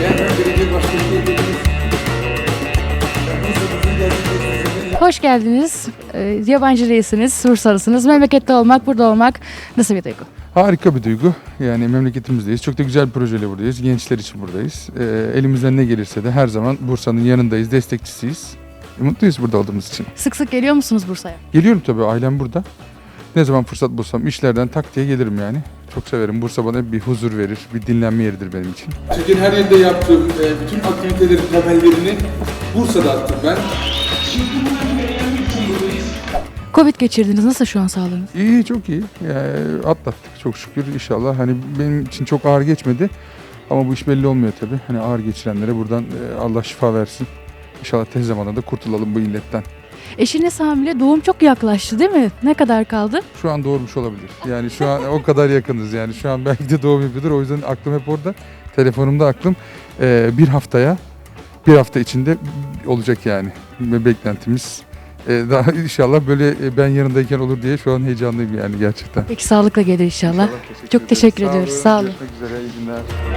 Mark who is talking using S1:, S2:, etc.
S1: Hoş geldiniz. Yabancı değilsiniz, Bursalısınız. Memlekette olmak, burada olmak nasıl bir duygu?
S2: Harika bir duygu. Yani memleketimizdeyiz. Çok da güzel bir projeyle buradayız. Gençler için buradayız. Elimizden ne gelirse de her zaman Bursa'nın yanındayız, destekçisiyiz. Mutluyuz burada olduğumuz için.
S1: Sık sık geliyor musunuz Bursa'ya?
S2: Geliyorum tabii, ailem burada. Ne zaman fırsat bulsam işlerden tak diye gelirim yani. Çok severim. Bursa bana bir huzur verir, bir dinlenme yeridir benim için.
S3: Türkiye'nin her yerinde yaptığım bütün aktivitelerin temellerini Bursa'da attım ben.
S1: Covid geçirdiniz. Nasıl şu an sağlığınız?
S2: İyi, çok iyi. Yani atlattık çok şükür inşallah. Hani benim için çok ağır geçmedi. Ama bu iş belli olmuyor tabii. Hani ağır geçirenlere buradan Allah şifa versin. İnşallah tez zamanda da kurtulalım bu illetten.
S1: Eşiniz hamile. Doğum çok yaklaştı değil mi? Ne kadar kaldı?
S2: Şu an doğurmuş olabilir. Yani şu an o kadar yakınız yani. Şu an belki de doğum yapıyordur. O yüzden aklım hep orada. Telefonumda aklım. Bir hafta içinde olacak yani. Ve beklentimiz. Daha inşallah böyle ben yanındayken olur diye şu an heyecanlıyım yani gerçekten.
S1: Peki sağlıkla gelir inşallah. Çok teşekkür ediyoruz. Sağ olun.
S2: Görüşmek üzere. İyi günler.